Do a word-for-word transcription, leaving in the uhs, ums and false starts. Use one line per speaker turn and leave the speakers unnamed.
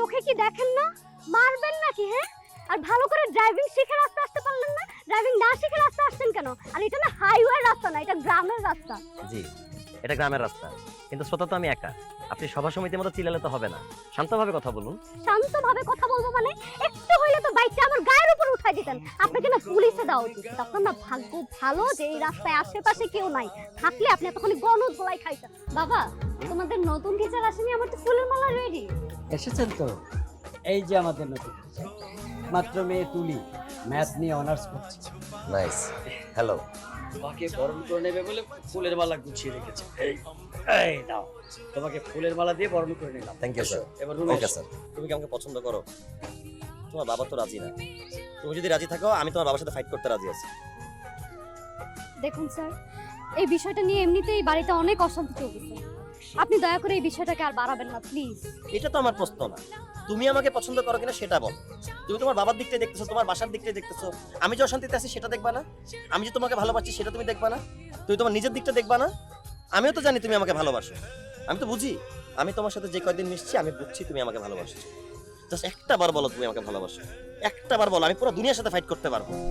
চোখে কি দেখেন না? মারবেন নাকি? হ্যাঁ, আর ভালো করে ড্রাইভিং শিখে রাস্তা আসতে পারলেন না? ড্রাইভিং না শিখে রাস্তা আসছেন কেন? আর এটা না হাইওয়ে রাস্তা না, এটা গ্রামের রাস্তা।
জি, এটা গ্রামের রাস্তা, কিন্তু শ্রোতা তো আমি একা। আপনি সভা সমিতির মতো চিল্লালে তো হবে না, শান্তভাবে কথা বলুন।
শান্তভাবে কথা বলবো মানে? একটু হইলে তো বাইকটা আমার গায়ের উপর উঠাই দিতেন। আপনাকে না পুলিশে দেওয়া উচিত। আপনার না ভাগ্য ভালো যে এই রাস্তায় আশেপাশে কেউ নাই, থাকলে আপনি এতক্ষণ গণধোলাই খাইতেন। বাবা, তোমাদের নতুন টিচার আসেনি? আমার তো ফুলের মালা রেডি।
এসেছেন তো? এই যে আমাদের নতুন teacher। মাত্র মেয়ে তুলি ম্যাথ নিয়ে অনার্স করছে।
নাইস। হ্যালো।
তোমাকে বরণ করে নেবে বলে ফুলের মালা গুছিয়ে রেখেছে। এই এই নাও, তোমাকে ফুলের মালা দিয়ে বরণ করে নিলাম।
Thank you sir.
এবার রুমে
ওকে
এসো।
স্যার। তুমি কি আমাকে পছন্দ করো? তোমার বাবা তো রাজি না। তুমি যদি রাজি থাকো, আমি তোমার বাবার সাথে ফাইট করতে রাজি আছি।
দেখুন স্যার, এই বিষয়টা নিয়ে এমনিতেই বাড়িতে অনেক অশান্তি চলতেছে। আপনি দয়া করে এই বিষয়টাকে আর বাড়াবেন না প্লিজ।
এটা তো আমার প্রশ্ন না, তুমি আমাকে পছন্দ করো কিনা সেটা বল। তুমি তোমার বাবার দিকটাই দেখতেছো, তোমার বাসার দিকটাই দেখতেছো। আমি যে অশান্তিতে আছি সেটা দেখবা না? আমি যে তোমাকে ভালোবাসি সেটা তুমি দেখবা না? তুমি তোমার নিজের দিকটা দেখবা না? আমিও তো জানি তুমি আমাকে ভালোবাসো, আমি তো বুঝি। আমি তোমার সাথে যে কয়দিন মিশছি আমি বুঝছি তুমি আমাকে ভালোবাসো। জাস্ট একটা বার বলো তুমি আমাকে ভালোবাসো, একটা বার বলো, আমি পুরো দুনিয়ার সাথে ফাইট করতে পারবো।